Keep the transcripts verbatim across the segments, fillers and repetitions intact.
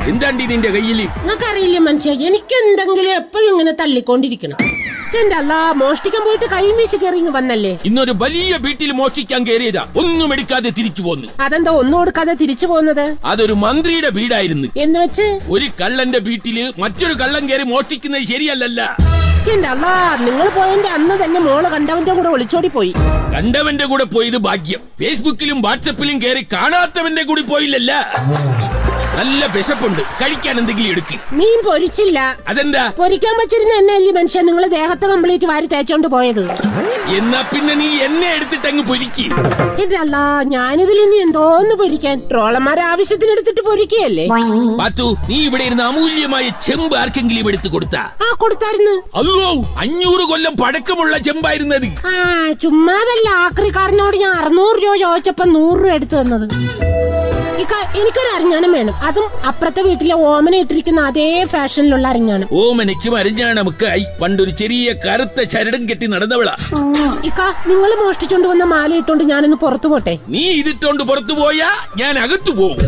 എന്താണ്ടി നിന്റെ കയ്യില്? നിങ്ങൾക്കറിയില്ല മനുഷ്യ, എനിക്ക് എന്തെങ്കിലും എപ്പോഴും ഇങ്ങനെ തള്ളിക്കൊണ്ടിരിക്കണം. എന്റെ അല്ല, മോഷ്ടിക്കാൻ പോയിട്ട് കൈ വീശി കയറി വന്നല്ലേ. ഇന്നൊരു വലിയ വീട്ടിൽ മോഷ്ടിക്കാൻ കയറിയതാ, ഒന്നും എടുക്കാതെ തിരിച്ചു പോന്നു. അതെന്താ ഒന്നും കൊടുക്കാതെ തിരിച്ചു പോകുന്നത്? അതൊരു മന്ത്രിയുടെ വീടായിരുന്നു. എന്ന് വെച്ച് ഒരു കള്ളന്റെ വീട്ടില് മറ്റൊരു കള്ളൻ കയറി മോഷ്ടിക്കുന്നത് ശരിയല്ലല്ല. എന്റെ അല്ല, നിങ്ങൾ പോയതിന്റെ അന്ന് തന്നെ മോള് കണ്ടവന്റെ കൂടെ ഒളിച്ചോടി പോയി. കണ്ടവന്റെ കൂടെ പോയത് ഭാഗ്യം. ഫേസ്ബുക്കിലും വാട്സപ്പിലും കയറി കാണാത്തവന്റെ കൂടി പോയില്ലല്ല. നല്ല വിശപ്പുണ്ട്, കഴിക്കാൻ എന്തെങ്കിലും എടുക്ക്. മീൻ പൊരിച്ചില്ല. അതെന്താ? പൊരിക്കാൻ വെച്ചിരുന്ന എണ്ണയല്ലേ മനുഷ്യൻ നിങ്ങൾ ദേഹത്ത് കംപ്ലീറ്റ് വാരി തേച്ചോണ്ട് പോയത്. എന്നാ പിന്നെ നീ എന്നെ എടുത്തിട്ട് അങ്ങ് പൊരിക്ക്. എന്റെ അല്ല, ഞാനിതിൽ ഇനി എന്തോന്ന് പൊരിക്കാൻ? ട്രോളന്മാരെ ആവശ്യത്തിന് എടുത്തിട്ട് പൊരിക്കുകയല്ലേ. പാത്തു, നീ ഇവിടെ ഇരുന്ന് അമൂല്യമായ ചെമ്പ് ആർക്കെങ്കിലും എടുത്തു കൊടുത്താ? ആ, കൊടുത്തായിരുന്നു. അല്ലോ, അഞ്ഞൂറ് കൊല്ലം പഴക്കമുള്ള ചെമ്പായിരുന്നത്. ആ, ചുമ്മാതല്ല, ആക്രിക്കാരനോട് ഞാൻ അറുന്നൂറ് രൂപ ചോദിച്ചപ്പോ നൂറ് രൂപ എടുത്തു തന്നത്. എനിക്കൊരു അരിഞ്ഞാണം വേണം, അതും അപ്പുറത്തെ വീട്ടിലെ ഓമന ഇട്ടിരിക്കുന്ന അതേ ഫാഷനിലുള്ള അരിഞ്ഞാണം. ഓമനയ്ക്കും അരിഞ്ഞാണമൊക്കെയായി പണ്ടൊരു ചെറിയ കറുത്ത ചരടും കെട്ടി നടന്നവളാ. ഇക്ക, നിങ്ങൾ മോഷ്ടിച്ചോണ്ട് വന്ന മാല ഇട്ടോണ്ട് ഞാനൊന്ന് പുറത്തു പോട്ടെ. നീ ഇതിട്ടോണ്ട് പുറത്തു പോയാ ഞാൻ അകത്തു പോകും.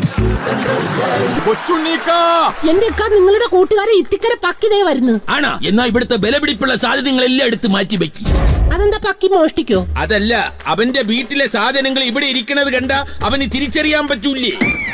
എന്റെ ഇക്ക, നിങ്ങളുടെ കൂട്ടുകാരെ ഇത്തിക്കര പക്കിതേ വരുന്നു. ആണാ? എന്നാ ഇവിടുത്തെ ബലപിടിപ്പുള്ള സാധനങ്ങളെല്ലാം എടുത്ത് മാറ്റി വെക്കി. അതെന്താ, പക്കി മോഷ്ടിക്കോ? അതല്ല, അവന്റെ വീട്ടിലെ സാധനങ്ങൾ ഇവിടെ ഇരിക്കുന്നത് കണ്ട അവന് തിരിച്ചറിയാൻ പറ്റൂലേ.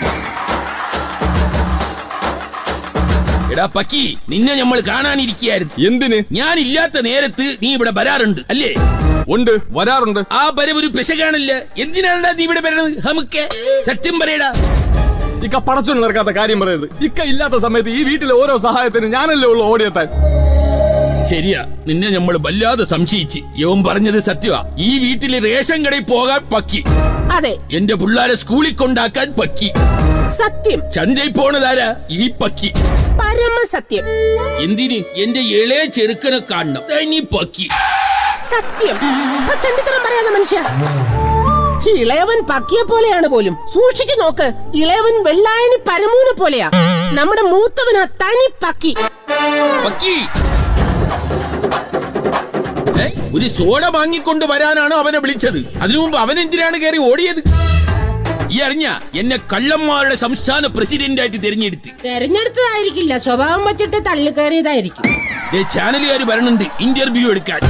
എടാ പക്കി, നിന്നെ നമ്മൾ കാണാനിരിക്കുകയായിരുന്നു. എന്തിന്? ഞാൻ ഇല്ലാത്ത നേരത്ത് നീ ഇവിടെ വരാറുണ്ട് അല്ലേ? ഉണ്ട്, വരാറുണ്ട്. ആ വരവൊരു പിശകാണല്ലേ. എന്തിനാണ് നീ ഇവിടെ വരണത്? നമുക്ക് സത്യം പറയടാ. ഇക്ക പടച്ചൊന്നും നടക്കാത്ത കാര്യം പറയരുത്. ഇക്ക ഇല്ലാത്ത സമയത്ത് ഈ വീട്ടിലെ ഓരോ സഹായത്തിന് ഞാനല്ലേ ഉള്ളു ഓടിയെത്താൻ. ശരിയാ, നിന്നെ നമ്മൾ വല്ലാതെ സംശയിച്ച്. യവൻ പറഞ്ഞത് സത്യമാ. ഈ വീട്ടില് റേഷൻ കടയിൽ പോകാൻ പക്കി. അതെ. എന്റെ പിള്ളാരെ സ്കൂളിൽ കൊണ്ടാക്കാൻ പക്കി. സത്യം. ചന്തയിൽ പോണതാരാ? ഈ പക്കി. പരമ സത്യം. എന്തിന്? എന്റെ ഇളയ ചെറുക്കനെ കാണണം, തനി പക്കി. സത്യം. തെണ്ടിത്തരം പറയാതെ മനുഷ്യ. ഇളയവൻ പക്കിയെ പോലെയാണ് പോലും. സൂക്ഷിച്ചു നോക്ക്, ഇളയവൻ വെള്ളായണി പരമൂനെ പോലെയാ. നമ്മുടെ മൂത്തവനാ തനി പക്കി. പക്കി ഒരു സോഡ വാങ്ങിക്കൊണ്ട് വരാനാണ് അവനെ വിളിച്ചത്. അതിനു മുമ്പ് അവൻ എന്തിനാണ് കയറി ഓടിയത്? ഈ അറിഞ്ഞ എന്നെ കള്ളന്മാരുടെ സംസ്ഥാന പ്രസിഡന്റ് ആയിട്ട് തിരഞ്ഞെടുത്ത്. തെരഞ്ഞെടുത്തതായിരിക്കില്ല, സ്വഭാവം വച്ചിട്ട് തള്ളിക്കയറിയതായിരിക്കും. ചാനലുകാർ വരണുണ്ട് ഇന്റർവ്യൂ എടുക്കാൻ.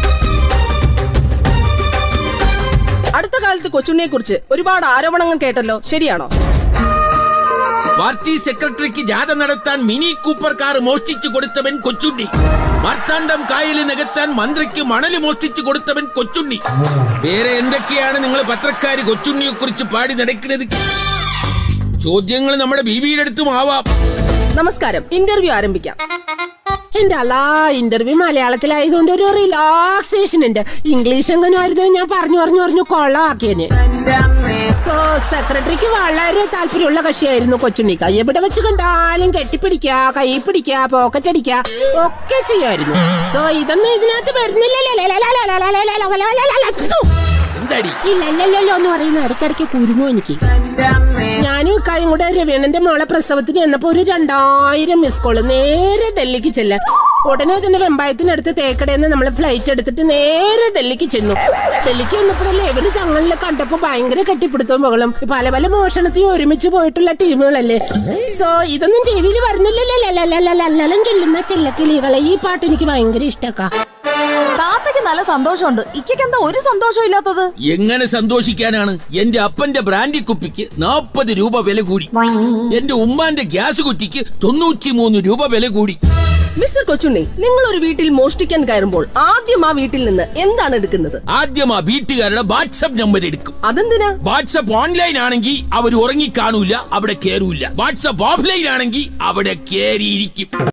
അടുത്ത കാലത്ത് കൊച്ചുണ്ണിയെ കുറിച്ച് ഒരുപാട് ആരോപണങ്ങൾ കേട്ടല്ലോ, ശരിയാണോ? പാർട്ടി സെക്രട്ടറിക്ക് ജാഥ നടത്താൻ മിനി കൂപ്പർ കാർ മോഷ്ടിച്ചു കൊടുത്തവൻ കൊച്ചുണ്ണി. മാർത്താണ്ഡം കായല് നികത്താൻ മന്ത്രിക്ക് മണല് മോഷ്ടിച്ചു കൊടുത്തവൻ കൊച്ചുണ്ണി. വേറെ എന്തൊക്കെയാണ് നിങ്ങൾ പത്രക്കാര് കൊച്ചുണ്ണിയെ കുറിച്ച് പാടി നടക്കുന്നത്? ചോദ്യങ്ങൾ നമ്മുടെ ബീവിയുടെ അടുത്തും ആവാം. നമസ്കാരം, ഇന്റർവ്യൂ ആരംഭിക്കാം. എന്റെ അല്ല, ഇന്റർവ്യൂ മലയാളത്തിലായതുകൊണ്ട് ഒരു റിലാക്സേഷൻ ഉണ്ട്. ഇംഗ്ലീഷ് എങ്ങനെ ആയിരുന്നു ഞാൻ പറഞ്ഞു പറഞ്ഞു പറഞ്ഞു കൊള്ളാക്കിയന്. സോ സെക്രട്ടറിക്ക് വളരെ താല്പര്യമുള്ള കക്ഷിയായിരുന്നു കൊച്ചുണ്ണിക്ക. എവിടെ വെച്ച് കണ്ടാലും കെട്ടിപ്പിടിക്ക, കൈ പിടിക്ക, പോക്കറ്റ് അടിക്ക ഒക്കെ ചെയ്യായിരുന്നു. സോ ഇതൊന്നും ഇതിനകത്ത് വരുന്നില്ലല്ലോ എന്ന് പറയുന്ന ഇടയ്ക്കിടയ്ക്ക് കുരുങ്ങോ എനിക്ക്. ഞാനും ഇക്കായും കൂടെ രവീണന്റെ മോളെ പ്രസവത്തിന് ചെന്നപ്പോ ഒരു രണ്ടായിരം മിസ് കോള്. നേരെ ഡൽഹിക്ക് ചെല്ലാൻ. ഉടനെ തന്നെ വെമ്പായത്തിനടുത്ത് തേക്കടയെന്ന് നമ്മള് ഫ്ലൈറ്റ് എടുത്തിട്ട് നേരെ ഡൽഹിക്ക് ചെന്നു. ഡൽഹിക്ക് ചെന്നപ്പോഴല്ലേ ഇവര് തങ്ങളിലെ കണ്ടപ്പോ ഭയങ്കര കെട്ടിപ്പിടുത്തവും മകളും. പല പല മോഷണത്തിന് ഒരുമിച്ച് പോയിട്ടുള്ള ടീമുകളല്ലേ. സോ ഇതൊന്നും ടി വിയിൽ വരുന്നില്ലല്ലോ ചൊല്ലുന്ന ചെല്ലക്കിളികളെ. ഈ പാട്ട് എനിക്ക് ഭയങ്കര ഇഷ്ടക്കാ. താത്തയ്ക്ക് നല്ല സന്തോഷമുണ്ട്, ഇക്കയ്ക്ക് എന്താ ഒരു സന്തോഷം ഇല്ലാത്തത്? എങ്ങനെ സന്തോഷിക്കാനാണ്? എന്റെ അപ്പന്റെ ബ്രാൻഡി കുപ്പിക്ക് നാപ്പത് രൂപ വില കൂടി. എന്റെ ഉമ്മാന്റെ ഗ്യാസ് കുറ്റിക്ക് തൊണ്ണൂറ്റി മൂന്ന് രൂപ വില കൂടി. മിസ്റ്റർ കൊച്ചുണ്ണി, നിങ്ങൾ ഒരു വീട്ടിൽ മോഷ്ടിക്കാൻ കയറുമ്പോൾ ആദ്യം ആ വീട്ടിൽ നിന്ന് എന്താണ് എടുക്കുന്നത്? ആദ്യം ആ വീട്ടുകാരുടെ വാട്സ്ആപ്പ് നമ്പർ എടുക്കും. അതെന്തിനാ? വാട്സ്ആപ്പ് ഓൺലൈൻ ആണെങ്കിൽ അവർ ഉറങ്ങി കാണൂല, അവിടെ കേറൂല. വാട്സ്ആപ്പ് ഓഫ്ലൈൻ ആണെങ്കിൽ അവിടെ കേറിയിരിക്കും.